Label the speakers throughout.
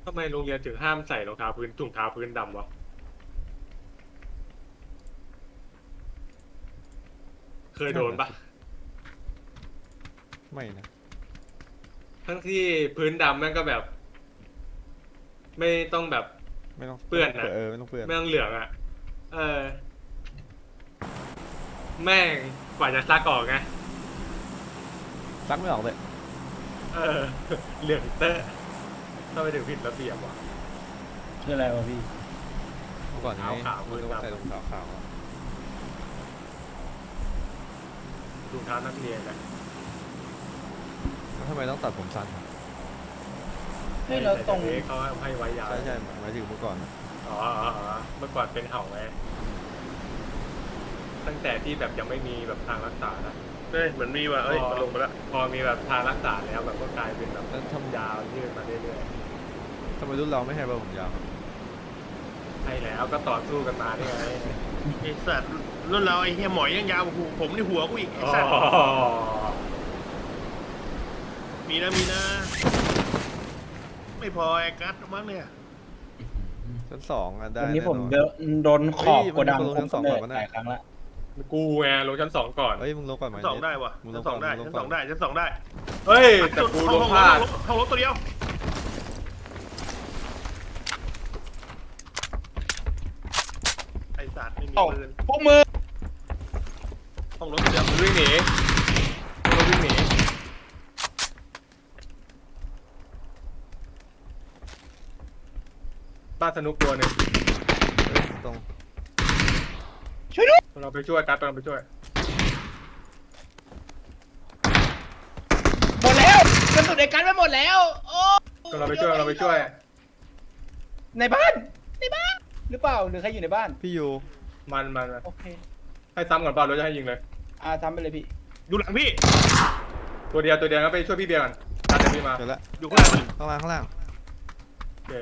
Speaker 1: ทำไมโรงเรียนถึงห้ามใส่รองเท้าพื้นถุงเท้าพื้นดำวะเคยโดนปะ
Speaker 2: ไม่นะ
Speaker 1: ทั้งที่พื้นดำแม่งก็แบบ ไม่ต้องแบบ
Speaker 2: ไม่ต้อง
Speaker 1: เปื้อนนะ
Speaker 2: ไม่ต้องเปื้อน
Speaker 1: ไม่ต้องเหลืองอ่ะเออแม่งกว่าจะซักออกไง
Speaker 2: ซักไม่ออกเลย
Speaker 1: เออเหลืองเตอะต้องไปถึงผิดระเบียบว่ะ
Speaker 3: คืออะไรวะพี่
Speaker 2: เมื่อก่อนนี้
Speaker 1: ขาวๆ
Speaker 2: มันต้องใส่รองเท้าขาวอะ
Speaker 1: ถุงเท้านักเรียนอะ
Speaker 2: แล้วทำไมต้องตัดผมสั้นอะ
Speaker 3: เฮ้ยเราตรง
Speaker 1: แต่เด็กเขาให้ไว้ยาว
Speaker 2: ใช่ใช่หมายถึงเมื่อก่อนอะ
Speaker 1: อ๋อเมื่อก่อนเป็นเห่าไงตั้งแต่ที่แบบยังไม่มีแบบทางรักษานะ
Speaker 4: เฮ้ยเหมือนมีว่ะเอ้ยมันลงมาแล้ว
Speaker 1: พอมีแบบทางรักษาแล้วแบบก็กลายเป็นแบบ
Speaker 2: แล้ว
Speaker 1: ยาวยืดมาเรื่อย
Speaker 2: ทำไมรุ่นเราไม่ให้เบอร์ผมยาวครับ
Speaker 1: ๆให้แล้วก็ต่อสู้กันมานี่ไง
Speaker 4: ไอ้สัตว์รุ่นเราไอ้เฮียหมอยยังยาวกว่าผมนี่หัวกูอีกไอ้
Speaker 1: อ๋อ
Speaker 4: สัตว์มีนะไม่พอไอ้กัดมั้งเนี่ย
Speaker 2: ชั้นสองอะได้
Speaker 3: วันนี้ผม
Speaker 2: แน่นอน
Speaker 3: โดนขอบ
Speaker 2: เฮ้ย
Speaker 3: โกดัง
Speaker 2: มันมีคนลงชั้นสองก่อนปะเนี่ย
Speaker 3: หลายครั้งละ
Speaker 1: กูไงลงชั้น 2ก่อน
Speaker 2: เฮ้ยมึงลงก่อนไหม
Speaker 4: ชั้นสองได้วะ
Speaker 2: มึงล
Speaker 4: ชั้
Speaker 2: ง
Speaker 4: น
Speaker 2: ก่
Speaker 4: ส
Speaker 2: อ
Speaker 4: อน งได้
Speaker 2: มึงล
Speaker 4: ชั้
Speaker 2: ง
Speaker 4: น
Speaker 2: ก่
Speaker 4: ส
Speaker 2: อ
Speaker 4: อน งได้ชั้นสองได้
Speaker 1: เฮ้ยแต่กูลงพลาด
Speaker 4: ห้องรถตัวเดียวไอ้สัตว์ไม่มี
Speaker 3: ตก
Speaker 4: ปืน
Speaker 3: พวกมือ
Speaker 4: ห้องรถตัวเดียว
Speaker 1: มันวิ่งหนีมันวิ่งหนีบ้านสนุกตัวหนึ่ง
Speaker 2: เฮ้ยตรง
Speaker 3: ช่วยด้วย
Speaker 1: เราไปช่วยการเราไปช่วย
Speaker 3: หมดแล้วกระสุนในกันไปหมดแล้วโอ้
Speaker 1: เราไปช่วยเราไปช่วย
Speaker 3: ในบ้านหรือเปล่าหรือใครอยู่ในบ้าน
Speaker 2: พี่ยู
Speaker 1: มัน
Speaker 3: โอเค
Speaker 1: ให้ซ้ำก่อนเปล่าเราจะให้ยิงเลย
Speaker 3: ทำไปเลยพี่
Speaker 4: อยู่หลังพี่
Speaker 1: ตัวเดียวก็ไปช่วยพี่เบียร์ก่อนตามเดี๋ยวพี่มา
Speaker 2: เจอแล้ว
Speaker 4: อยู่ข้างหลังมัน
Speaker 2: ข้างล่างข้างล่าง
Speaker 1: โอเค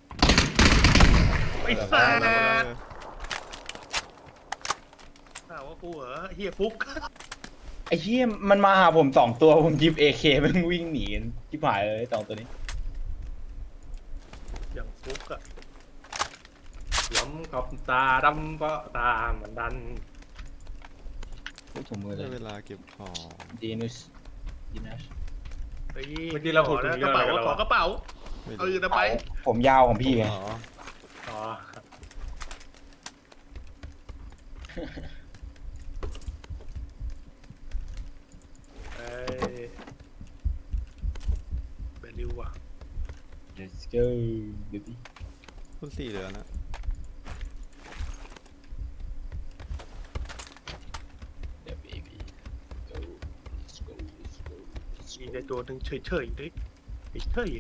Speaker 4: ไอ้สัตว์
Speaker 2: เออ
Speaker 4: ข่าวว่ากูเหรอเฮียฟุก
Speaker 3: ไอ้เหี้ยมันมาหาผม2 ตัวผมยิบ AK มันวิ่งหนีกันชิบหายเลย2 ตัวนี้
Speaker 4: อย่างฟุกอะ
Speaker 1: ล้มขอบตาดำเพราะตาเหมือนดัน
Speaker 3: พูดถุงมือเล
Speaker 2: ได้
Speaker 3: ย
Speaker 2: เวลาเก็บของ
Speaker 3: ดีนุสดีนัส
Speaker 4: เฮ้ย
Speaker 1: เมื่อกี้เราพูดถึง
Speaker 4: ก
Speaker 1: เรื่อ
Speaker 4: ระ
Speaker 1: งอะไร
Speaker 4: เป๋า
Speaker 1: กันแล้ว
Speaker 4: ขอกระเป๋า
Speaker 2: ไม่
Speaker 4: เอา
Speaker 2: รู้
Speaker 4: อื่นเอาไป
Speaker 3: ผมยาวของพี่ไง
Speaker 2: อ๋อ
Speaker 1: อ๋อ
Speaker 4: เอ้ยเบลลิวอะ
Speaker 3: let's go baby
Speaker 2: คุณสี่เหลือนะ
Speaker 3: yeah baby go let's go let's go let's
Speaker 4: มี
Speaker 3: go
Speaker 4: แต่ตัวหนึ่งเฉยๆดิเฉย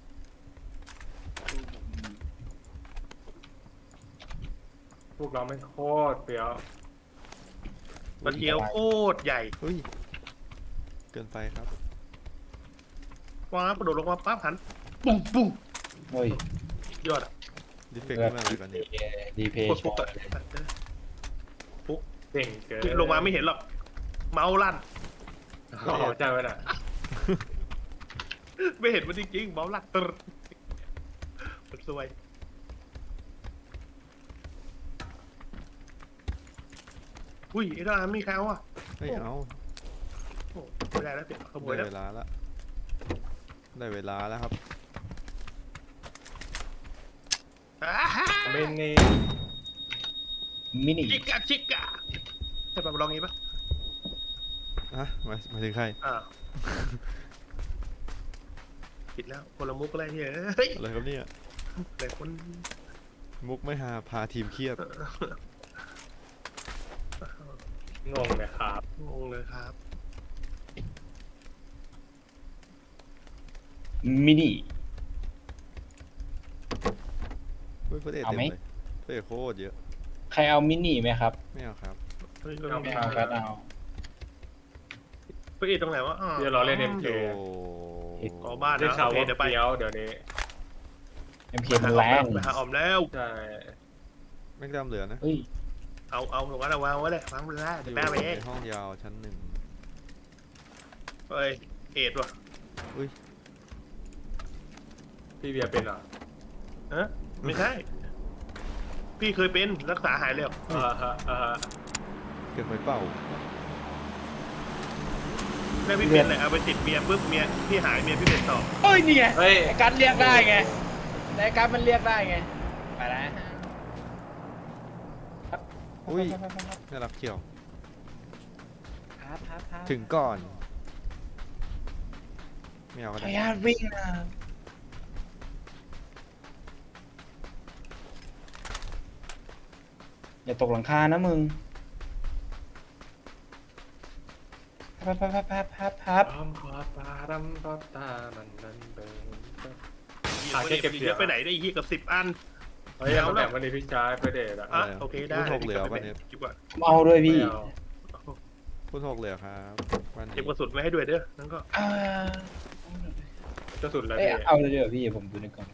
Speaker 1: พวกเราไม่โคตรเปรี้ยว
Speaker 4: ๆมันเทียวโคตรใหญ่
Speaker 2: เฮ้ยเกินไปครับ
Speaker 4: ว้าวกระโดดลงมาปั๊บหันปุ้งปุ้ง
Speaker 3: เฮ้ย
Speaker 4: ยอดอะ
Speaker 2: ดิเฟกต์นี่มันอะไรกันเนี่ย
Speaker 3: ดีเพ
Speaker 4: โคตร
Speaker 3: ย์
Speaker 4: ฟุกอะ
Speaker 1: เก่งเกิน
Speaker 4: ลงมาไม่เห็นหรอก เมาส์ลั่น
Speaker 1: อ๋อใช่ไหมน่ะ
Speaker 4: ไม่เห็นมันจริงๆเมาส์ลั่นตึ๊ดมันสวยอุ้ยไอ้ดามีใครเอาอ่ะ
Speaker 2: ไม่เอา
Speaker 4: โอ้ไม่ได้แล้วเดี๋ยวขโมย
Speaker 2: ได้
Speaker 4: แล้ว
Speaker 2: เวลาละได้เวลาแล้วครับ
Speaker 4: อ่าฮะ
Speaker 1: ไม่เน่
Speaker 3: มินิ
Speaker 4: ชิกะใช่ป่ะมาลองงี้ปะ
Speaker 2: อ่ะมาถึงใคร
Speaker 4: อ่าวผิดแล้วคนละมุกอะไรเนี่ยเฮ้ย
Speaker 2: อะไรครับเนี่ย
Speaker 4: แต่คน
Speaker 2: มุกไม่หาพาทีมเครียด
Speaker 1: งงเลยครับ
Speaker 4: งงเลยครับ
Speaker 3: มินิ
Speaker 2: เฮ้ยเพื่อนเอ็ด
Speaker 3: เอา
Speaker 2: เต็ม
Speaker 3: ไหม
Speaker 2: เลยเพื่อนเอ็ดโคตรเยอะ
Speaker 3: ใครเอามินิไหมครับ
Speaker 2: ไม่เอาครับ
Speaker 4: เฮ้ย
Speaker 3: ไม่เอาครับเอา
Speaker 4: ไปอีกตรงไหนวะ
Speaker 1: เดี๋ยวรอเล่น MK
Speaker 2: โอ้
Speaker 4: ขอบ้าน
Speaker 1: ได้
Speaker 4: นะ
Speaker 1: ข่าว
Speaker 4: โอเค
Speaker 1: ว่า
Speaker 4: เดี๋ยวไป
Speaker 1: เปรี้ยวเดี๋ยวนี้
Speaker 3: MK มันแรง
Speaker 4: ไปหาออมแล้ว
Speaker 1: ใช่
Speaker 2: แม่งดำเหลือนะ
Speaker 3: เฮ้ย
Speaker 4: เอาตรงนั้นเอาวางไว้เลยวางไว้เลย
Speaker 2: อ
Speaker 4: เดี๋ยว
Speaker 2: ยู่
Speaker 4: แม่ไปเอง
Speaker 2: ในห้องยาวชั้นหนึ่ง
Speaker 4: เฮ้ยเอ็ดว่ะ
Speaker 2: อุ้ย
Speaker 1: พี่เบียร์เป็นเหรอ
Speaker 4: ฮะไม่ใช่ พี่เคยเป็นรักษาหายแล้ว
Speaker 2: เกิดไฟเปล่า
Speaker 4: แม่พี่เป็นเลยเอาไปติดเมียปุ๊บเมียพี่หายเมียพี่เป็นต่อ
Speaker 3: เฮ้ยนี่ไง
Speaker 1: เฮ้ย
Speaker 3: ไอ้การดเรียกได้ไงไอ้การดมันเรียกได้ไงไปแล้ว
Speaker 2: อุ้ยน่ารักเชียว
Speaker 3: ครับ
Speaker 2: ถึงก่อนไม่เอา
Speaker 3: ข
Speaker 2: ก็
Speaker 3: ออ
Speaker 2: ได้
Speaker 3: นุญาตวิ่งนะอย่าตกหลังคานะมึงพับ
Speaker 1: พร้อมขอตาดำตอตามันนั่นเดิน
Speaker 4: หาแค่เก็บเสียไปไหนได้ยี่กับ10 อัน
Speaker 1: เฮ้ยเอาแบ่งวันนี้พี่ชายไปเดทอ่ะ
Speaker 4: อ่ะโอเคได้
Speaker 2: พูดหกเหลือวันนี้
Speaker 4: เก็บก่อน
Speaker 3: ผมเอาด้วยพี่
Speaker 1: ไม่เอา
Speaker 2: พูดหกเหลือครับวันนี้
Speaker 4: เก็บกระสุนไว้ให้ด้วยเด้อนั่นก็
Speaker 3: อ่า
Speaker 1: จะสุดแล้ว
Speaker 3: เอ้ย
Speaker 1: พี่
Speaker 3: เอาเลยเดี๋ยวพี่ผมดูนี่ก่อน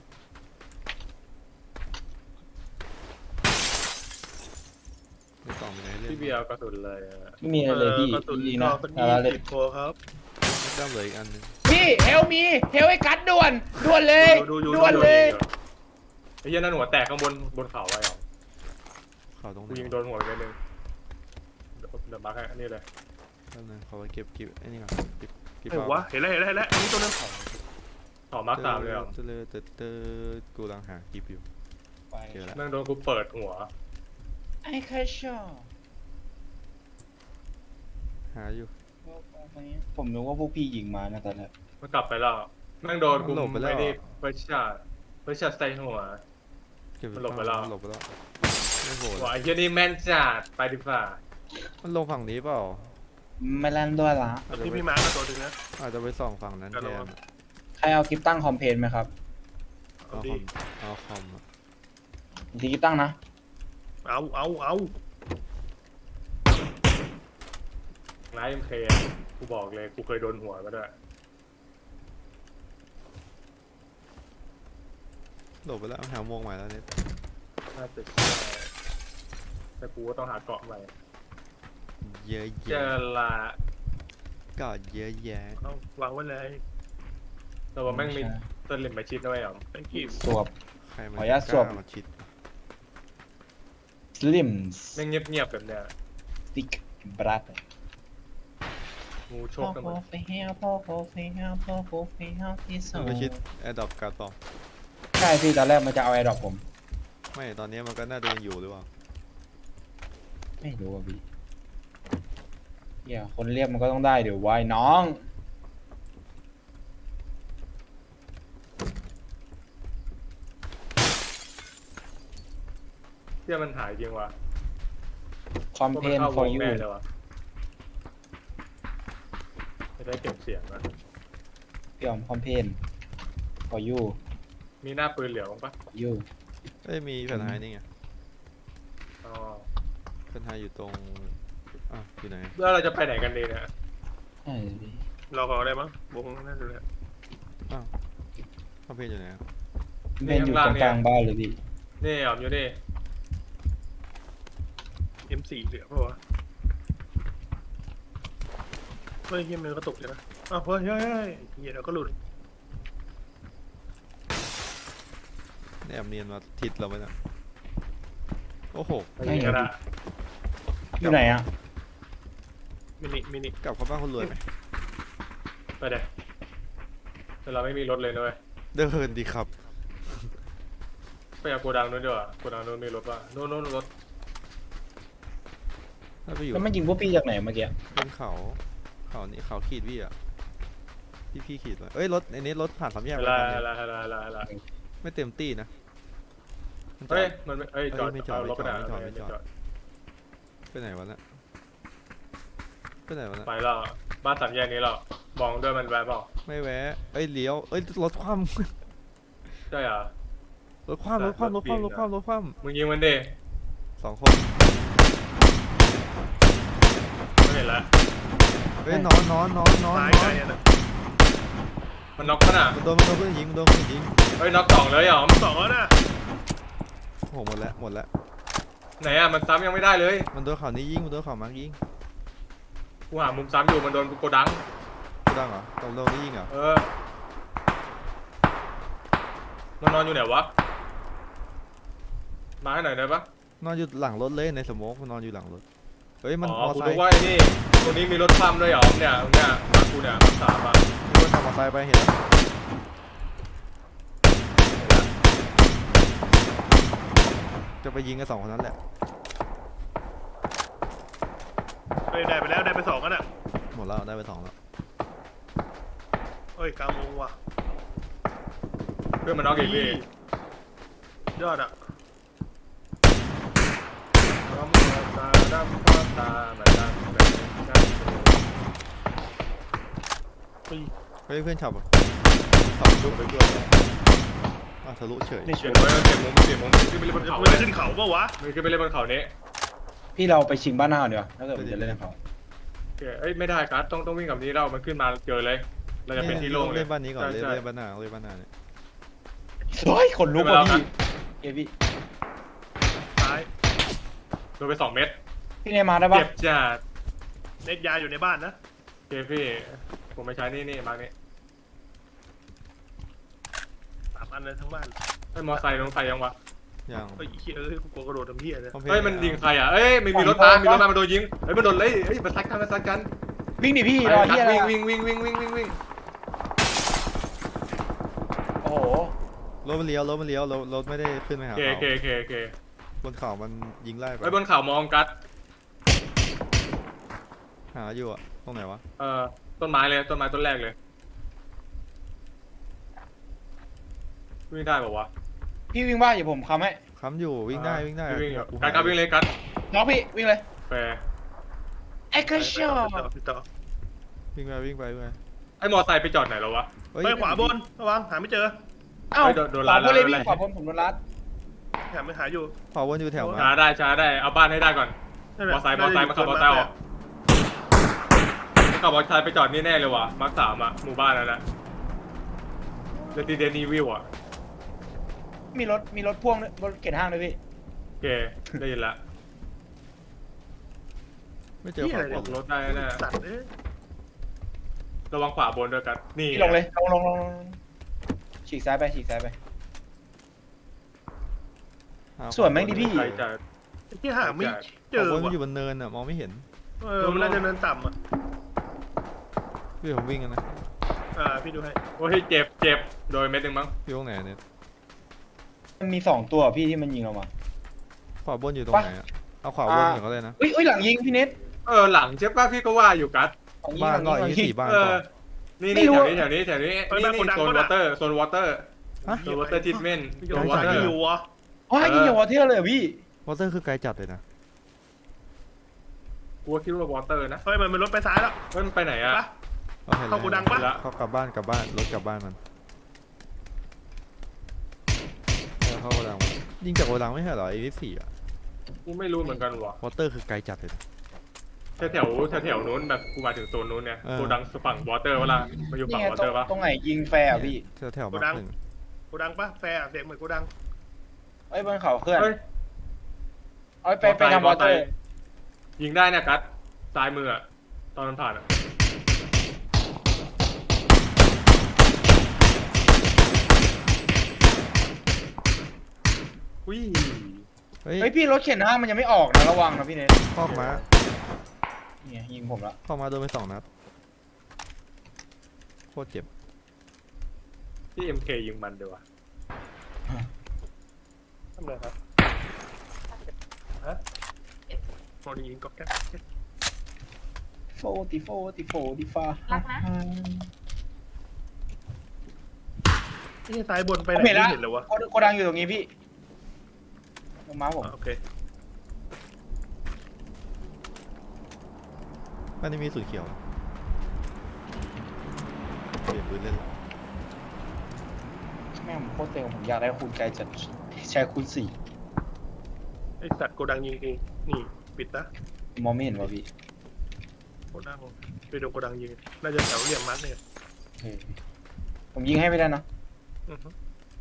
Speaker 2: ไม่ต่อไปไหนเรื่อ
Speaker 1: พี่
Speaker 2: ง
Speaker 1: เบียร์กระสุนเลยอะ
Speaker 3: ไม่มีอะไรเลยพี่
Speaker 4: กระสุน
Speaker 3: จริงๆ
Speaker 4: ก็
Speaker 3: นะ
Speaker 4: เป็น
Speaker 3: เอาเลย
Speaker 4: 20 ตัวครับ
Speaker 2: ไม่ได้เหลืออีกอันหนึง
Speaker 3: พี่เฮลมีเฮลไอ้กัดด่วนเลย
Speaker 1: ดู
Speaker 3: ด่วนเลย
Speaker 1: ไอ้เหี้ยนั่นหัวแตกข้างบนเขาไว้หรอ
Speaker 2: ข่าวตรงไหน
Speaker 1: กูยิงโดนหัวไปนิดนึงเดี๋ยวมาร์คให้อันนี้เลย
Speaker 2: แป๊บนึงขอไปเก็บไอ้นี่ก่อนเก็บ
Speaker 4: เห็นวะเห็นแล้วอันนี้ตัวนึง
Speaker 1: ต่อมาร์คสามเลยเหรอ
Speaker 2: เตอกูกำลังหาคลิปอยู่เจอแล้ว
Speaker 1: แม่งโดนกูเปิดหัว
Speaker 3: ไอ้แค่ชอบ
Speaker 2: หาอยู่
Speaker 3: ผมนึกว่าพวกพี่ยิงมานะตอนแรก
Speaker 1: มันกลับไปแล้วแม่งโดนกู
Speaker 2: หลบไปแล้ว
Speaker 1: ไม่ได้เฟิร์สช็อตใส่หัว
Speaker 2: เก็บ
Speaker 1: มันหลบไปแล้ว
Speaker 2: หลบไปแล้วไม่โหด
Speaker 1: หัวไอ้เหี้ยนี่แม่นจัดไปดีกว่า
Speaker 2: มันลงฝั่งนี้เปล่า
Speaker 3: ไม่เล่นด้วยละ
Speaker 4: ที่พี่มาร์คตัวนึงนะ
Speaker 2: อาจจะไปส่องฝั่งนั้น
Speaker 4: ครับ
Speaker 2: แทน
Speaker 3: ใครเอาคลิปตั้งคอมเพลนไหมครับ
Speaker 4: เอา
Speaker 2: เอาค
Speaker 4: ดิ
Speaker 2: อมเอาคอมอะ
Speaker 3: ทีคลิปตั้งนะ
Speaker 4: เอา
Speaker 1: ไลฟ์เอ็มเคกูบอกเลยกูเคยโดนหัวมาด้วย
Speaker 2: หลบไปแล้วหาโมงใหม่แล้วเนี่ย
Speaker 1: น่าจะใช่แต่กูก็ต้องหาเกาะใหม่
Speaker 2: เยอะ
Speaker 1: เจ
Speaker 2: แยะ
Speaker 1: อละ
Speaker 2: ก็เยอะแยะ
Speaker 4: เอาวางไว้เลย
Speaker 1: แต่ว่าแม่งมีต้นลิมมาชิดด้วยเหรอ
Speaker 4: thank you
Speaker 3: สวบ
Speaker 2: ใครมัน
Speaker 3: ขออนุญาตสวม
Speaker 2: กล้มาชิด
Speaker 3: สลิม
Speaker 1: แม่งเงียบๆแบบเนี้ย
Speaker 3: สติกบรัด
Speaker 1: งูโชคกันหมด
Speaker 2: มันไปชิดแอร์ดรอปการต่อ
Speaker 3: ใช่พี่ตอนแรกมันจะเอาไอ้ดอกผม
Speaker 2: ไม่ตอนนี้มันก็น่าจะยังอยู่หรือเปล่า
Speaker 3: ไม่รู้อ่ะพี่เหี้ยคนเรียกมันก็ต้องได้เดี๋ยวไว้น้อง
Speaker 1: เที่ยมันหายจริงว่ะ
Speaker 3: คอมเพลน
Speaker 1: เข้าว
Speaker 3: for
Speaker 1: ง
Speaker 3: you
Speaker 1: แน่เลยว่ะจะได้เก็บเสียงนะ
Speaker 3: พี่ออมคอมเพลน for you
Speaker 1: มีหน้าปืนเหลือบ้างปะ
Speaker 3: for you
Speaker 2: เอ้ยมีแผ่นไฮนี่ไง
Speaker 1: อ๋อ
Speaker 2: แผ่นไฮอยู่ตรงอยู่ไหน
Speaker 1: แล้วเราจะไปไหนกันดีเนี่ย
Speaker 3: ใช่พี่
Speaker 4: รอก่อนได้มั้งวงน่าจะเลย
Speaker 2: คอมเพลนอยู่ไหนอะ
Speaker 3: เพลนอยู่ตรงกลางบ้านเลยพี่
Speaker 1: นี่อ๋อมอยู่นี่
Speaker 4: M4 เหลือเปล่าวะเฮ้ยเฮียมือกระตุกเลยนะอ้าวเฮ้ยเฮียเดี๋ยวก็หลุด
Speaker 2: แอบเนียนมาทิศเราไหมเนี่ยโอ้โห
Speaker 1: ไปยิงกันอะ
Speaker 3: อยู่ไหนอ่ะ
Speaker 4: มินิ
Speaker 2: กลับเข้าบ้านคนรวยไหม
Speaker 1: ไปเดี๋ยวแต่เราไม่มีรถเลยนะเว้ย
Speaker 2: เดินดีครับ
Speaker 1: ไปเอาโกดังนู้นดีกว่าโกดังนู้นมีรถป่ะนู้นรถ
Speaker 2: ถ้าไปอยู่
Speaker 3: แล้วมันยิงพวกพี่จากไหนเมื่อกี้
Speaker 2: บนเขานี่เขาขีดพี่อ่ะพี่ขีดไว้เอ้ยรถไอ้นี้รถผ่านสามแยก
Speaker 1: เว
Speaker 2: ไป
Speaker 1: ลา
Speaker 2: ทางเนี้ย
Speaker 1: เวลาเวลาเวลาเวลา
Speaker 2: ไม่เต็มตี้นะมันจอ
Speaker 1: เฮ้ย
Speaker 2: ด
Speaker 1: มันไม่เอ้ยจอด
Speaker 2: ไม่จอด
Speaker 1: เอารถไปไหน
Speaker 2: ไม่จอด
Speaker 1: ไม่จอด
Speaker 2: ไปไหนวะเนี่ยไปไหนวะเนี่ย
Speaker 1: ไปแล้วบ้านสามแยกนี้เรามองด้วยมันแวะเปล่า
Speaker 2: ไม่แวะเอ้ยเลี้ยวเอ้ยรถคว่
Speaker 1: ใช่เหรอ
Speaker 2: ำรถคว่ำรถคว่ำรถคว่ำรถคว่ำรถคว่
Speaker 1: มึงยิงมันดิ
Speaker 2: ำ2 คน
Speaker 1: ไม่เห็นละ
Speaker 2: เฮ้ยนอน
Speaker 4: ตายไกลอะนะ
Speaker 1: มันน็อกขนาด
Speaker 2: มันโดนเพื่อนยิงมันโดนเพื่อนยิง
Speaker 1: เฮ้ยน็อกสองเลยเหรอ
Speaker 4: สองแล้วนะ
Speaker 2: โอ้โหหมดแล้ว
Speaker 1: ไหนอ่ะมันซ้ำยังไม่ได้เลย
Speaker 2: มันโดนเขานี้ยิงมันโดนเขามาร์กยิง
Speaker 1: กูหามุมซ้ำอยู่มันโดนโกดัง
Speaker 2: กูดังเหรอตรงนี้ยิงเหรอ
Speaker 1: มันนอนอยู่ไหนวะมาให้หน่อยได้ปะ
Speaker 2: นอนอยู่หลังรถเลยในสโมกมันนอนอยู่หลังรถเฮ้ยมัน
Speaker 1: อ๋
Speaker 2: ม
Speaker 1: อ
Speaker 2: อ
Speaker 1: กู
Speaker 2: ไซ
Speaker 1: รู้
Speaker 2: ค์
Speaker 1: ว่าไอ้นี่ตรงนี้มีรถคว่ำด้วยเหรอเนี่ยมากูเนี่ยมาสามอ่ะ
Speaker 2: มีคนขับมอไซค์ไปเห็นแล้วจะไปยิงกัน2 คนนั้นแหละ
Speaker 4: เฮ้ยได้ไปแล้วได้ไป2กันอ่ะ
Speaker 2: หมดแล้วได้ไป2แล้ว
Speaker 4: เฮ้ยกลางวงว่ะ
Speaker 1: เพื่อนมันน็อกอีกพี่
Speaker 4: ยอดอ่ะ
Speaker 1: ตาดำข้าตาแบบนั้นแบบนั้น
Speaker 2: เฮ้ยเพื่อนขับอะขับลุกไปด้วยทะลุเฉย
Speaker 3: นี่
Speaker 1: เป
Speaker 3: ช่
Speaker 1: ลี่
Speaker 3: วย ย
Speaker 1: นไว้เปลี่ยนมุมขึ้นไปเล่นบนเขา
Speaker 4: มันจะขึ้นเขาปะวะ
Speaker 1: มันขึ้นไปเล่นบนเขานี้
Speaker 3: พี่เราไปชิงบ้านหน้าก่อนดีกว่าถ้าเกิดผมจะเล่นกับเขา
Speaker 1: โอเคเอ้ยไม่ได้ครับต้องวิ่งกับนี้เรามันขึ้นมาเจอเลย เราจะเป็นที่โล่งเลย
Speaker 2: เล่นบ้านนี้ก่อนเล่น
Speaker 1: ใช่
Speaker 2: เล่นบ้านหน้าเล่นบ้านหน้าเนี่ย
Speaker 3: เฮ้ยขนลุกว่ะพี่เอพี่
Speaker 4: ซ้าย
Speaker 1: โดนไป2 เม็ด
Speaker 3: พี่เนยมาได้ปะ
Speaker 1: เจ็บจัด
Speaker 4: เน็ตยาอยู่ในบ้านนะ
Speaker 1: โอเคพี่ผมไม่ใช้นี่มาร์กนี่
Speaker 4: 3 อันเลยทั้งบ้าน
Speaker 1: ไอ้มอไซค์ลงใส่ยังวะ
Speaker 2: อย่าง
Speaker 4: เฮ้ยไอ้เหี้ยเอ้ยกูกลัวกระโดดทำเหี้ยเลย
Speaker 2: คอมพ
Speaker 1: เฮ้ยมันยิงใครอ่ะเอ้ยมีรถมามันโดนยิงเฮ้ยมันโดนเลยเฮ้ยมันซัดกัน
Speaker 3: วิ่งดิพี่รอที่อะไร
Speaker 1: วิ่ง
Speaker 3: โอ้โห
Speaker 2: รถมันเลี้ยวรถไม่ได้ขึ้นไปหา
Speaker 1: โอเค
Speaker 2: เขา
Speaker 1: โอเค
Speaker 2: บนเขามันยิงไล่ไป
Speaker 1: ไอ้บนเขามองกัด
Speaker 2: หาอยู่อะตรงไหนวะ
Speaker 1: ต้นไม้เลยต้นไม้ต้นแรกเลยวิ่งได้ป่าวะ
Speaker 3: พี่วิ่งบ้าอย่าผมค้ำให้
Speaker 2: ค้ำอยู่วิ่งได้
Speaker 1: วิ่ง
Speaker 2: กู
Speaker 1: กัดวิ่งเลยกัด
Speaker 3: น้องพี่วิ่งเลย
Speaker 1: แฟ
Speaker 3: ไอ้กระชอ
Speaker 4: พี่ต่อ
Speaker 2: วิ่งไป
Speaker 1: ไอ้มอไซค์ไปจอดไหนแล้ววะ
Speaker 2: เฮ้ย
Speaker 4: เฮ้ยขวาบนระวังหาไม่เจอ
Speaker 3: เอ้า
Speaker 1: โดน
Speaker 3: ขวา
Speaker 1: รัด
Speaker 3: บนเลย
Speaker 1: แล้ว
Speaker 3: พี่ขวาบนผมโดนรัด
Speaker 4: หาอยู่
Speaker 2: ขวาวนอยู่แถว
Speaker 1: ช้า
Speaker 2: มา
Speaker 1: ได้เอาบ้านให้ได้ก่อนมอไซค์มาขับมอไซค์ออกขับมอไซค์ไปจอดนี่แน่เลยว่ะมาร์ค 3อ่ะหมู่บ้านนั่นแหละเรติเดนีวิวอ่ะ
Speaker 3: มีรถพ่วงด้วยรถเข็นห้างด้วยพี่
Speaker 1: โอเคได้ยินละ
Speaker 2: ไม่เจอขวา
Speaker 1: ออกรถได้แน่
Speaker 4: สัตว์เอ้ย
Speaker 1: ระวังขวาบนด้วยกันนี่
Speaker 3: พี่ลงเลยลงฉีกซ้ายไปส่วนแม่งดิพี่
Speaker 1: ใครจะ
Speaker 4: ไอ้ที่หาไม่เจ
Speaker 2: ขวา
Speaker 4: อบ
Speaker 2: นมัน
Speaker 4: ว่ะ
Speaker 2: อยู่บนเนินอะมองไม่เห็น
Speaker 4: มันน่าจะเนินต่ำอ่ะ
Speaker 2: พี่ผมวิ่งกันนะ
Speaker 4: พี่ดูให้
Speaker 1: โอ้ยเจ็บโดยเม็ดหนึ่งมั้ง
Speaker 2: พี่ตรงไหนเนี่ย
Speaker 3: มันมี2 ตัวพี่ที่มันยิงเรามา
Speaker 2: ขวาบนอยู่ตรงไหนอะเอาขวาบนอย่างก็เลยนะ
Speaker 3: อุ้ยหลังยิงพี่เน็ต
Speaker 1: หลังใช่ป่ะพี่ก็ว่าอยู่กัด
Speaker 2: บ้านก็อีสี่บ้าน
Speaker 1: เอ
Speaker 2: ก็
Speaker 1: อนี่แถวนี้นี่โซนวอเตอร์โซนวอเตอร์ทิทเมนต์โซนวอเตอร์
Speaker 4: อยู่วะ
Speaker 3: อ๋อยิงอย่างวอเทอร์เลยพี่
Speaker 2: วอเตอร์คือไกลจัดเลยนะ
Speaker 1: กูคิดว่าวอเตอร์นะ
Speaker 4: เฮ้ยมันรถไปซ้ายแล้ว
Speaker 1: เฮ้ยมันไปไหนอ่ะ
Speaker 4: ปะ
Speaker 2: เอาเห็น
Speaker 4: เข้าโกดังปะ
Speaker 2: เขากลับบ้านรถกลับบ้านมันเข้าโกดังยิงจากโกดังไม่ใช่เหรอไอ้วิสี่อะ
Speaker 1: กูไม่รู้เหมือนกันว่ะ
Speaker 2: วอเตอร์คือไกลจัดเลยนะ
Speaker 1: แถวนู้นแบบกูมาถึงโซนนู้นเนี่ย
Speaker 2: เออ
Speaker 1: โกดังฝั่งวอเตอร์เวลามาอยู่
Speaker 3: นี่
Speaker 1: ฝั่ง
Speaker 3: ไง
Speaker 1: วอเตอร์ปะ
Speaker 3: ตรงไหนยิงแฟร์พี่
Speaker 2: แถวมาร์ค 1
Speaker 4: โกดังปะแฟร์เสียงเหมือนโกดัง
Speaker 3: ไอ้บนเขาเคลื่อน
Speaker 1: เฮ้ย
Speaker 3: เอาไปทำวอเตอร์
Speaker 1: ยิงได้นะกัดซ้ายมืออะตอนมันผ่านอะอุ้ย
Speaker 2: เฮ้ย
Speaker 3: เฮ้ยพี่รถเข็นห้างมันยังไม่ออกนะระวังนะพี่เน็ต
Speaker 2: คอกม้า
Speaker 3: เนี่ยยิงผมละ
Speaker 2: คอกม้าโดนไป2 นัดโคตรเจ็บ
Speaker 1: ที่ MK ยิงมันเดี๋ยววะ
Speaker 4: ทำไรครับฮะมองยิงก็แค่
Speaker 3: โฟติฟ้า
Speaker 5: รักนะ
Speaker 4: ที่ซ้ายบนไปไหน
Speaker 3: ผมเห็น
Speaker 4: ไม่
Speaker 3: ละ
Speaker 4: เห็นเลยวะ
Speaker 3: โกดังอยู่ตรงนี้พี่ลงมาผม
Speaker 4: โอเค
Speaker 2: บ้านนี้มีสูตรเขียวเปลี่ยนปืนเล่น
Speaker 3: แม่งโคตรเต็มผมอยากได้คูณไกลจัดใช้คูณ
Speaker 4: ไอสัตว์โกดังยิงเองนี่ปิดนะ
Speaker 3: 4มองไม่เห็นว่ะพี่
Speaker 4: โกดังไปดูโกดังยิงน่าจะแถวเหลี่ยมมัดเนี่ย
Speaker 3: เฮ้ยผมยิงให้ไม่ได้นะ
Speaker 4: อือฮึ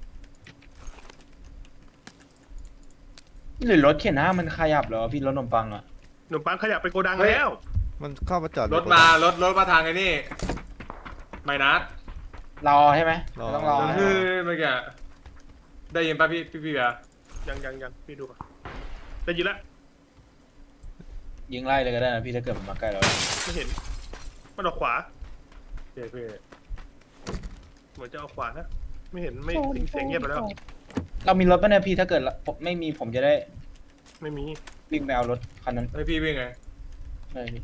Speaker 3: หรือรถเข็นห้างมันขยับเหรอพี่รถขนมปังอะ
Speaker 4: หนุ่มปังขยับไปโกดังแล้ว
Speaker 2: มันเข้ามาจอด
Speaker 1: รถมาทางไอ้นี่ไม่นัด
Speaker 3: รอใช่ไหมไม่ต้องรอ
Speaker 1: คือเมื่อกี้ได้ยินป่ะพี่เบียร์
Speaker 4: ยังพี่ดูก่อนได้ยินละ
Speaker 3: ยิงไล่เลยก็ได้นะพี่ถ้าเกิดมันมาใกล้เรา
Speaker 4: ไม่เห็นมันออกขวา
Speaker 1: เจ๊พี่
Speaker 4: เหมือนจะเอาขวานะไม่เห็นไม่เสียงเงียบไปแล้ว
Speaker 3: เรามีรถป่ะเนี่ยพี่ถ้าเกิดผมไม่มีผมจะได้
Speaker 4: ไม่มี
Speaker 3: วิ่งไปเอารถคันนั้น
Speaker 1: ไอพี่วิ่งไง
Speaker 3: ได้พี่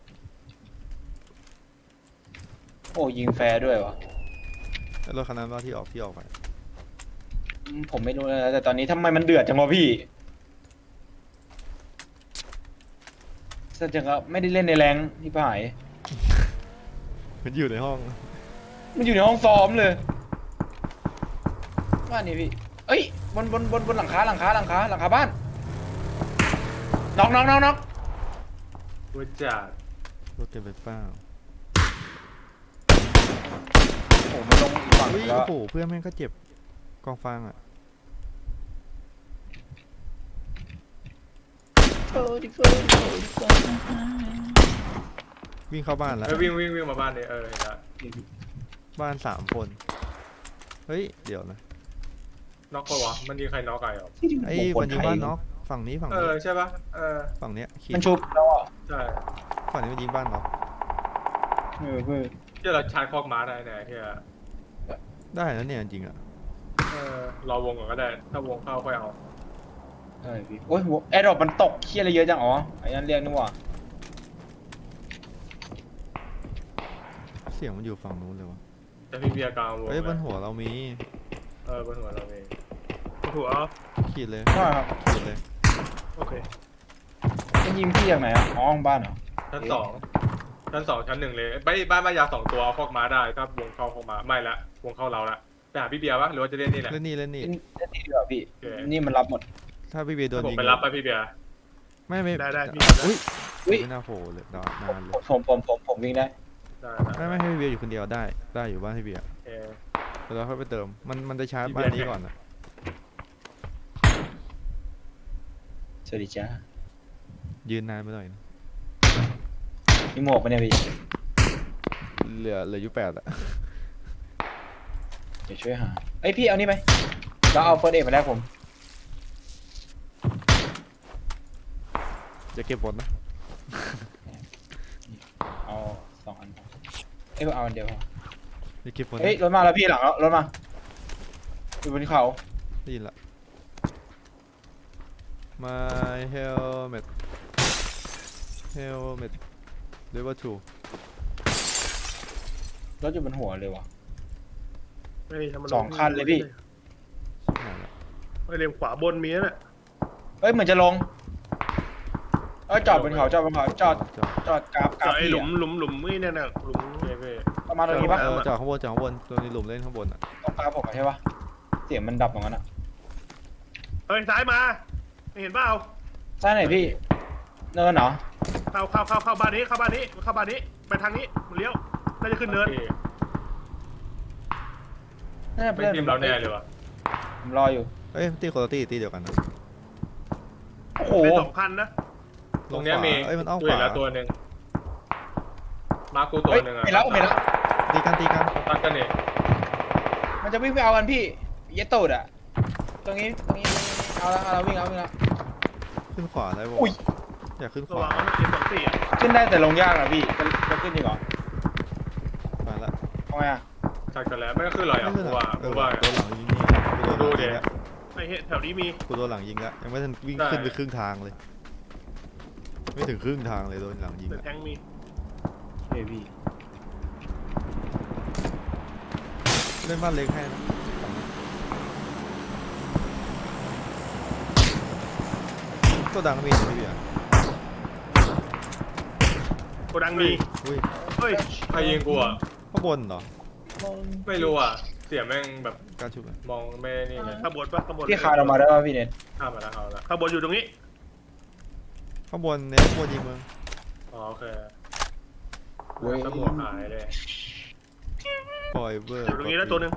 Speaker 3: โอ้ยิงแฟร์ด้วยวะ
Speaker 2: แล้วรถคันนั้นว่าที่ออกไป
Speaker 3: ผมไม่รู้นะแต่ตอนนี้ทำไมมันเดือดจังวะพี่แสดงว่าไม่ได้เล่นในแรงที่ผ่าย
Speaker 2: มันอยู่ในห้อง
Speaker 3: มันอยู่ในห้องซ้อมเลยว่านี่พี่เอ้ยบนหลังคาบ้านน็อก
Speaker 1: รู้จัก
Speaker 2: รถเก็บไปเปล่า
Speaker 3: โอ้มันลงอีกฝั่ง
Speaker 2: อุ้ย
Speaker 3: แล้ว
Speaker 2: โอ้โหเพื่อนแม่งก็เจ็บกองฟางอ่ะวิ่งเข้าบ้านแล้ว
Speaker 1: เออวิ่งมาบ้านเลยเห็นละ
Speaker 2: บ้าน3 คนเฮ้ยเดี๋ยวนะ
Speaker 1: น็อกปะวะมันยิงใครน็อกไก่หรอ
Speaker 2: ไอ้มันยิงบ้านน็อกฝั่งนี้
Speaker 1: ใช่ปะ
Speaker 2: ฝั่งเนี้ยขีด
Speaker 3: มันชุบแล้วอ่ะ
Speaker 1: ใช่
Speaker 2: ฝั่งนี้มันยิงบ้านน็อก
Speaker 3: เพื่อ
Speaker 1: ที่เราชาร์จคอกม้าได้แน่เฮีย
Speaker 2: ได้นะเนี่ยจริงๆอ่ะ
Speaker 1: รอวงก่อนก็ได้ถ้าวงเข้าค่อยเอา
Speaker 3: ใช่พี่โอ้ยแอร์ดรอปมันตกเคี้ยอะไรเยอะจังอ๋อไอ้นั่นเรียกนึกว่า
Speaker 2: เสียงมันอยู่ฝั่งนู้นเลยวะ
Speaker 1: แต่พี่เบียร์กลางวง
Speaker 2: เฮ้ยบนหัวเรามี
Speaker 1: บนหัวเราเอง
Speaker 4: หัว
Speaker 2: ขีดเลย
Speaker 3: ใช่ครับ
Speaker 2: ขีดเลย
Speaker 4: โอเค
Speaker 3: มันยิงพี่จากไหนอ่ะอ๋อห้องบ้านเหรอ
Speaker 1: ชั้น 2 ชั้น 1เลยบ้านมายาว2 ตัวเอาคอกม้าได้ถ้าวงเข้าคอกม้าไม่ละวงเข้าเราละไปหาพี่เบียร์วะหรือว่าจะเล่นนี่แหละ
Speaker 2: เล่นนี่
Speaker 3: เล่นดีกว่าพี่
Speaker 1: โอเค
Speaker 3: นี่มันรับหมด
Speaker 2: ถ้าพี่เบียร์โดน
Speaker 1: ผม
Speaker 2: ยิง
Speaker 1: ไปรับไปพี่เบียร์
Speaker 2: ไม่
Speaker 4: ได้พี่
Speaker 2: อุ้ย
Speaker 3: อุ้ย
Speaker 2: ไม่น่าโผล่เลยนานเลย
Speaker 3: ผมวิ่งได้
Speaker 1: ได้
Speaker 2: ไม่ให้พี่เบียร์อยู่คนเดียวได้อยู่บ้านพี่เบียร์
Speaker 1: โอเค
Speaker 2: แล้วค่อยไปเติมมันจะชาร์จ
Speaker 1: พี่
Speaker 2: บ้าน
Speaker 1: เบียร์
Speaker 2: นี้ก่อนอ่ะ
Speaker 3: สวัสดีจ้า
Speaker 2: ยืนนานไปหน่อยนะ
Speaker 3: มีหมวกปะเนี่ยพี่
Speaker 2: เหลืออยู่8อ่ะ
Speaker 3: เดี๋ยวช่วยหาเอ้ยพี่เอานี่ไปเราเอาเฟิร์สเอ็ดมาแลกผม
Speaker 2: จะเก็บบนนะ
Speaker 3: เอา2 อันเอ้ยเอาอันเดียวพอ
Speaker 2: จะเก็บบน
Speaker 3: เฮ้ยรถมาแล้วพี่หลังแล้วรถมาอยู่บนเขา
Speaker 2: ได้ยินละ My helmet level 2
Speaker 3: รถอยู่บนหัวเลยวะ
Speaker 4: ไม่ทำมัน
Speaker 3: 2 คันเลยพี่
Speaker 2: หายละ
Speaker 4: ไม่เรียมขวาบนมีนั่นแหละ
Speaker 3: เอ้ยเหมือนจะลงจอดบนเขาจอดกราฟ
Speaker 4: จอดไอ้
Speaker 3: พี่
Speaker 4: หลุมนี่เนี่ยนะหลุม
Speaker 1: โอเคพี่
Speaker 3: ประมาณตรงนี้ปะ
Speaker 2: จอดข้างบนตัวนี้หลุมเล่นข้างบนอ่ะ
Speaker 3: ตรงกราฟผมอะใช่ปะเสียงมันดับตรงนั้นอะ
Speaker 4: เฮ้ยซ้ายมาไม่เห็นเปล่า
Speaker 3: ใช่ไหนพี่เนินเหรอ
Speaker 4: เข้าบ้านนี้ไปทางนี้มันเลี้ยวน่าจะขึ้นเนิน
Speaker 1: พี่
Speaker 3: น่าจะ
Speaker 1: ไม่
Speaker 3: เพื่อน
Speaker 1: ทีมเราแน่เลยวะ
Speaker 3: ผมรออยู่
Speaker 2: เอ้ยตีคนละตีเดียวกันนะ
Speaker 3: โอ้โห
Speaker 4: เป็น2 คันนะ
Speaker 1: ตรงเนี้ยมี
Speaker 2: เอ้ยมันอ้อม
Speaker 1: ตัว
Speaker 2: ข
Speaker 1: เห็
Speaker 2: วาน
Speaker 1: แล้วตัวหนึ่งมากูตัว
Speaker 3: เฮ้ย
Speaker 1: หนึ่งอะ
Speaker 3: เห็นแล้ว
Speaker 2: ตีกัน
Speaker 1: ตัดกันเอง
Speaker 3: มันจะวิ่งไปเอากันพี่เยตโตดอะตรงนี้เอาละวิ่งแล้ว
Speaker 2: ขึ้นขวาได้บ่
Speaker 3: อุ้ย
Speaker 2: อยากขึ้นข
Speaker 4: ระ
Speaker 2: วา
Speaker 4: วังนะM24อ่ะ
Speaker 3: ขึ้นได้แต่ลงยากนะพี่จะขึ้นดีกว่า
Speaker 2: มาละ
Speaker 3: ทำไมอะ
Speaker 1: ตัดกันแล้วไม่ก็คืออะไรอ่ะ
Speaker 2: ไม่
Speaker 1: กู
Speaker 2: ขึ้น
Speaker 1: ว่า
Speaker 2: เอ
Speaker 1: กู
Speaker 2: อ
Speaker 1: ว่า
Speaker 2: ตัวหลังยิงนี่กูโดนหลังยิงแล้ว
Speaker 4: ไอ้เหี้ยแถวนี้มี
Speaker 2: กูโดนหลังยิงแล้วยังไม่ทันวิ่ง
Speaker 1: ได้
Speaker 2: ขึ้นไปครึ่งทางเลย ไม่ถึงครึ่งทางเลยโดนหลังยิง
Speaker 4: แต่
Speaker 2: อะ
Speaker 4: แทงมี
Speaker 3: เฮ้ยพี่
Speaker 2: เล่นบ้านเล็กให้นะตัวดังมีพี่เบียร์
Speaker 4: โกดังมี
Speaker 2: อุ้ย
Speaker 4: เฮ้ย
Speaker 1: ใครยิงกูอ่ะ
Speaker 2: ข้างบนเหรอ
Speaker 1: ไม่รู้อ่ะเสียงแม่งแบบ
Speaker 2: การชุบเลย
Speaker 1: มองไม่นี่เลย
Speaker 4: ข้างบนปะข้างบน
Speaker 3: พี่คาเรามาได้ป่ะพี่เน็ต
Speaker 1: ข้ามมาแล้วเอาละ
Speaker 4: ข้างบนอยู่ตรงนี้
Speaker 2: ข้างบนเนี่ยข้างบนยิงมึง
Speaker 1: อ๋อโอเค
Speaker 3: เว้ย
Speaker 1: สมองหายเลย
Speaker 2: ปล่อยเบอร์
Speaker 4: อยู่ตรงนี้แล้วตัวหนึ่ง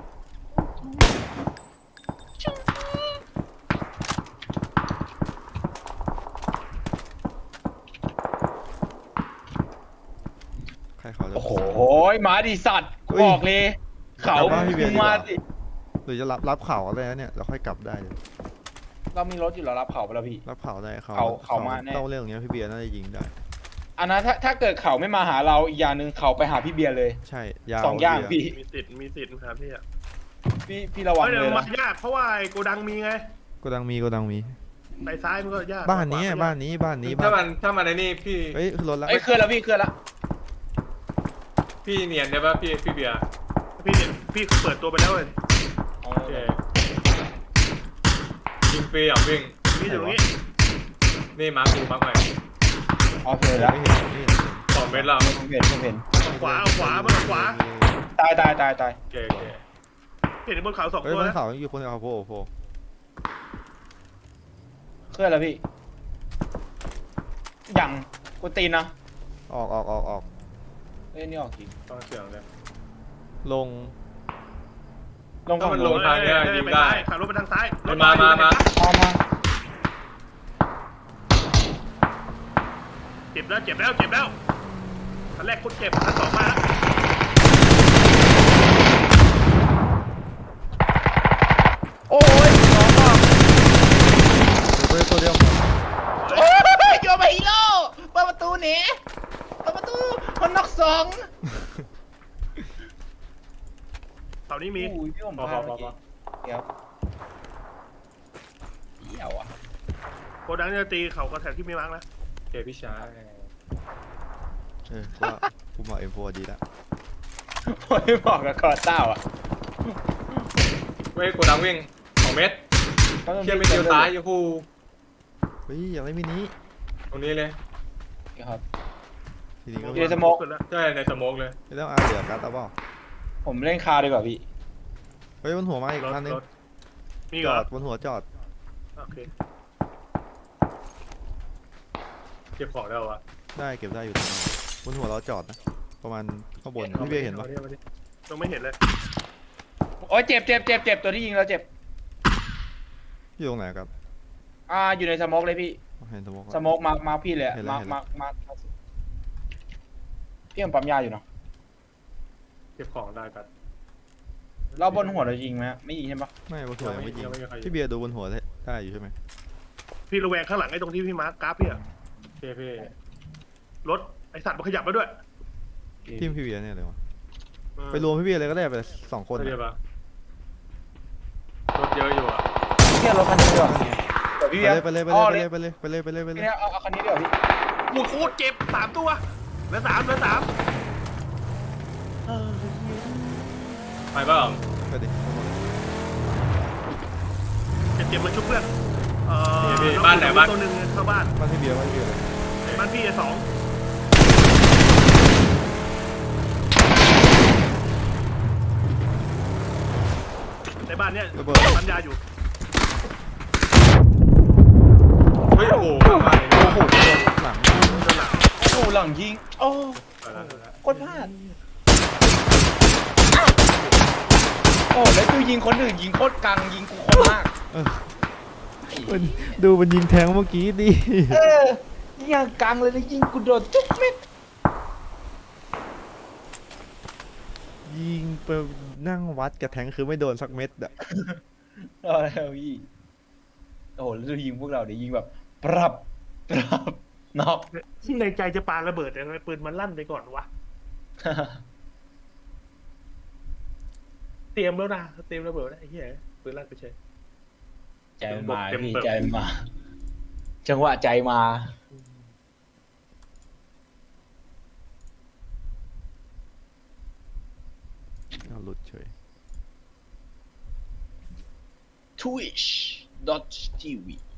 Speaker 2: ใครเขาจะ
Speaker 3: โอ้โหหมาดิสัตว์กูบอกเลย เขา
Speaker 2: กลับบ้านพี่เบียร์ดีกว่า
Speaker 3: มาสิ
Speaker 2: หรือจะรับเข่าอะไรนะเนี่ยเราค่อยกลับได้เลย
Speaker 3: เรามีรถอยู่เรารับเขาไปแล้วพี่
Speaker 2: รับเผาได้เขา
Speaker 3: เขามาแน่
Speaker 2: ต้องเรื่องอย่างเงี้ยพี่เบียร์น่าจะยิงได้
Speaker 3: อันนั้นถ้าเกิดเขาไม่มาหาเราอีกอย่างหนึ่งเขาไปหาพี่เบียร์เลย
Speaker 2: ใช่ยาว
Speaker 3: สองอย่าง
Speaker 2: เบียร์
Speaker 3: พี่
Speaker 4: มีสิทธิ์ครับพี่อะ
Speaker 3: พี่ระวัง
Speaker 4: เฮ้ย
Speaker 3: เล
Speaker 4: เดี๋ย
Speaker 3: ยว
Speaker 4: มั
Speaker 3: นะ
Speaker 4: นยากเพราะว่าไอ้โกดังมีไง
Speaker 2: โกดังมี
Speaker 4: ไปซ้ายมันก็ยาก
Speaker 2: บ้านนี้
Speaker 4: ขว
Speaker 2: บ้านนี้
Speaker 1: ถ้ามันในนี่พี่
Speaker 2: เฮ้ยคือรถละ
Speaker 3: เอ้ยเคลื่อนแล้วพี่เคลื่อนแล้ว
Speaker 1: พี่เนียนได้ปะพี่เบียร์
Speaker 4: พี่เปิดตัวไปแล้วเลย
Speaker 1: โอเคยิงฟรีอ่ะวิ่ง
Speaker 4: พี่อยู่ตรงนี้
Speaker 1: นี่มาร์คใหม่
Speaker 3: โอเคแล้ว
Speaker 2: ไม่เห็นไม่เห็น
Speaker 1: 2 เมตรแล้ว
Speaker 3: ผมเห็น
Speaker 4: เอาขวาเอาขวามันเอาขวา
Speaker 3: ตาย
Speaker 1: โอเค
Speaker 4: เห็นบนเขา2
Speaker 2: เฮ้ย
Speaker 4: ตัว
Speaker 2: บน
Speaker 4: นะ
Speaker 2: เขาอยู่บนเขาโผล่
Speaker 3: เคลื่อนแล้วพี่ยังกูตีนนะ
Speaker 2: ออก
Speaker 3: เอ้ยนี่ออกจริง
Speaker 1: ต้องเสียงเลย
Speaker 2: ลง
Speaker 3: ลง
Speaker 1: ถ้า
Speaker 3: ฝั่ง
Speaker 1: มัน
Speaker 3: ล
Speaker 1: ล
Speaker 3: ง
Speaker 1: งทางเนี้ยยิง
Speaker 4: ไป
Speaker 1: ได้
Speaker 4: ซ้ายขับรถไปทางซ้ายรถ
Speaker 1: มา
Speaker 3: มา
Speaker 4: เจ็บแล้วอันแรกคนเจ็บอันสองมาแล้ว
Speaker 3: โอ้ยน้องบอก
Speaker 2: ตัวเดียว
Speaker 3: โอ้ยโยมาฮีโร่เปิดประตูหนีเปิดประตูคนนอกสอง
Speaker 4: เสานี้มี
Speaker 3: อุ้ยพี่ผมพลาดเมื่อกี้เดี๋ยวเดี๋ยวอ่ะ
Speaker 4: โกดังจะตีเขากระแทกที่ไม่มั้งนะ
Speaker 1: โอเคพี่ชาย
Speaker 2: กูมาเอ็มโฟดีแล้ว
Speaker 3: ไม่บอกกับคอร์ต้าอ่ะ
Speaker 1: เว้ยโกดังวิ่ง2 เมตรเชี่ยไม่เดียวตายยูฮู
Speaker 2: เฮ้ยอย่างไรมินิ
Speaker 1: ตรงนี้เลย
Speaker 3: ครับ
Speaker 2: ทีนี้ก็
Speaker 3: อยู่ในสโมก
Speaker 4: ขึ้นแล้ว
Speaker 1: ใช่ในสโมกเลย
Speaker 2: ไม่ต้องอาเหลือการ์ดเอาเปล่า
Speaker 3: ผมเล่นคาดีกว่าพี่
Speaker 2: เฮ้ยบนหัวมาอีก
Speaker 4: รถ
Speaker 2: คันนึง
Speaker 4: รถมี
Speaker 2: จ
Speaker 4: เหร
Speaker 2: อ
Speaker 4: อ
Speaker 2: ดบนหัวจอด
Speaker 4: โอเค
Speaker 1: เก็บของได้วะ
Speaker 2: ได้เก็บได้อยู่ตรงนั้นบนหัวเราจอดนะประมาณข้างบนพี่เบียร์เห็นปะ
Speaker 4: ต้องไม่เห็นเลย
Speaker 3: โอ้ยเจ็บตัวที่ยิงเราเจ็บ
Speaker 2: อยู่ตรงไหนครับ
Speaker 3: อยู่ในสโมกเลยพี่
Speaker 2: เห็นสโมก
Speaker 3: สโมกมาพี่เลยอะ
Speaker 2: เห็นแล้ว
Speaker 3: มาพี่ผมปั๊มยาอยู่เนาะ
Speaker 1: เก็บของได้กัน
Speaker 3: เราบนหัวเรายิงไหมไม่ยิงใช่ปะ
Speaker 2: ไม่บนหัวยังไม่ยิง
Speaker 1: ยังไม่มีใครยิง
Speaker 2: พี่เบียร์ดูบนหัวได้อยู่ใช่ไหม
Speaker 4: พี่ระแวงข้างหลังไอ้ตรงที่พี่มาร์คกราฟพี่อะ
Speaker 1: โอเคพี่
Speaker 4: รถไอสัตว์มันขยับมาด้วย
Speaker 2: ทีมพี่เบียร์เนี่ยเลยวะ
Speaker 4: เออ
Speaker 2: ไปรวมพี่เบียร์เลยก็ได้ไป2 คน
Speaker 1: เรียบปะรถเยอะอยู่อ่ะ
Speaker 3: พี่เอารถคันนี้ดีกว่าเดี๋ยวพี่
Speaker 2: ไปเลย
Speaker 3: อ๋อ
Speaker 2: ไปเลย
Speaker 3: พี่เอาคันนี้ดีกว่าพี่
Speaker 4: โอ้โหโคตรเจ็บ3 ตัวเหลือ3
Speaker 1: ไปเปล่า
Speaker 2: ไปดิ
Speaker 4: เจ็บมาชุบเพื่อน
Speaker 1: บ้านไหนบ้าน
Speaker 4: ตัวหนึ่งเข้าบ้าน
Speaker 2: บ้านพี่เบียร์เลย
Speaker 4: บ้านพี่2ในบ้านเนี้ย
Speaker 2: ระเบิด
Speaker 4: ปัญญาอยู่
Speaker 1: เฮ้ยโอ้โหมาเลย
Speaker 2: โอ้โหหลัง
Speaker 4: ด้านหลัง
Speaker 3: โอ้หลังยิงโอ้
Speaker 1: ไปแล้ว
Speaker 3: โคตรพลาดโอ้แล้วกูยิงคนอื่นยิงโคตรกังยิงกูคนมาก
Speaker 2: ดูมันยิงแทงเมื่อกี้ดิ
Speaker 3: ยิงอย่างกังเลยนะยิงกูโดนทุกเม็ด
Speaker 2: ยิงไปนั่งวัดกับแทงคือไม่โดนสักเม็ดอะ
Speaker 3: แล้วพี่โอ้โหแล้วดูยิงพวกเราเดี๋ยวยิงแบบปรับน็อก
Speaker 4: ในใจจะปาระเบิดแต่ทำไมปืนมันลั่นไปก่อนวะ เตรียมแล้วนะเตรียมระเบิดแล้วไอ้เหี้ยปืนลั่นไปเฉย
Speaker 3: ใจมันมาพี่ใจมันมาจังหวะใจมา
Speaker 2: เอาหลุดเฉย
Speaker 3: twitch.tv